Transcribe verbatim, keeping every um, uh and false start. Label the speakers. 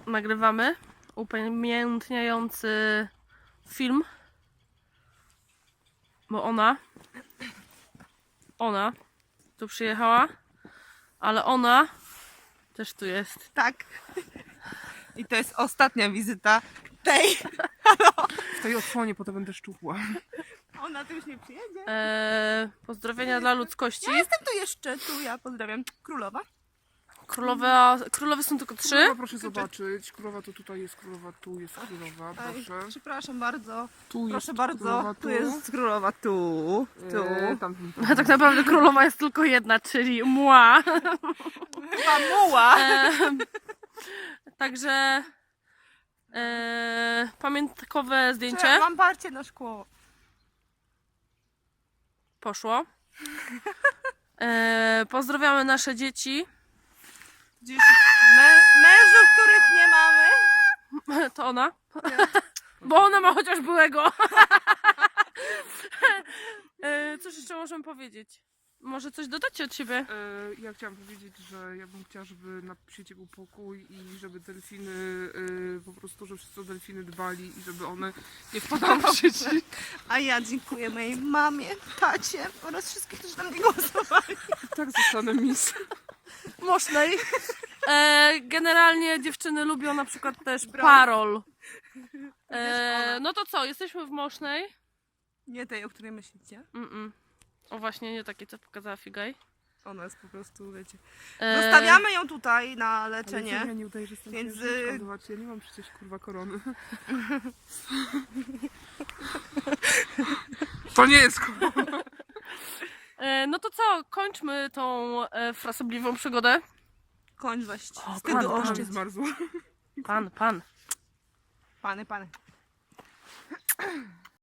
Speaker 1: nagrywamy upamiętniający film, bo ona, ona tu przyjechała, ale ona też tu jest.
Speaker 2: Tak. I to jest ostatnia wizyta tej.
Speaker 3: W tej odsłonie potem będę szczupła.
Speaker 2: Ona tu już nie przyjedzie.
Speaker 1: Eee, pozdrowienia dla ludzkości.
Speaker 2: Ja jestem tu jeszcze, tu ja pozdrawiam królowa.
Speaker 1: Królowa, królowe są tylko trzy.
Speaker 3: Królowa, proszę zobaczyć. Królowa to tutaj jest, królowa tu jest królowa,
Speaker 2: Aj,
Speaker 3: proszę.
Speaker 2: przepraszam bardzo.
Speaker 3: Tu
Speaker 2: Proszę
Speaker 3: jest
Speaker 2: bardzo.
Speaker 3: królowa,
Speaker 2: Tu jest królowa, tu. Tu.
Speaker 3: Eee, tam,
Speaker 1: A tak naprawdę królowa jest tylko jedna, czyli mła.
Speaker 2: Chyba muła.
Speaker 1: Eee, także eee, pamiątkowe zdjęcie
Speaker 2: Mam parcie na szkło.
Speaker 1: poszło. Eee, pozdrawiamy nasze dzieci.
Speaker 2: Dziś mę mężów, których nie mamy.
Speaker 1: To ona. Bo ona ma chociaż byłego. Eee, cóż jeszcze możemy powiedzieć? Może coś dodacie od siebie?
Speaker 3: Eee, ja chciałam powiedzieć, że ja bym chciała, żeby na świecie był pokój i żeby delfiny, eee, po prostu, że wszyscy o delfiny dbali i żeby one nie wpadały w sieci.
Speaker 2: A ja dziękuję mojej mamie, tacie oraz wszystkich, którzy na mnie głosowali.
Speaker 3: Tak zostanę mis.
Speaker 1: Mosznej. E, generalnie dziewczyny lubią na przykład też parol. E, no to co, jesteśmy w Mosznej.
Speaker 2: Nie tej, o której myślicie.
Speaker 1: Mm -mm. O właśnie, nie takie, co pokazała Figaj.
Speaker 2: Ona jest po prostu, wiecie.
Speaker 1: E,
Speaker 2: Zostawiamy ją tutaj na
Speaker 3: Ale
Speaker 2: leczenie.
Speaker 3: ja nie udaję, że jestem
Speaker 2: Więc,
Speaker 3: księżniczką,
Speaker 2: y-
Speaker 3: zobaczcie, ja nie mam przecież kurwa korony. To nie jest korona.
Speaker 1: e, no to co, kończmy tą e, frasobliwą przygodę.
Speaker 2: Kończ weź.
Speaker 1: O,
Speaker 2: Wstydu
Speaker 1: pan, pan.
Speaker 2: oszczędź.
Speaker 3: Zmarzła.
Speaker 1: Pan, pan.
Speaker 2: Pany, pany.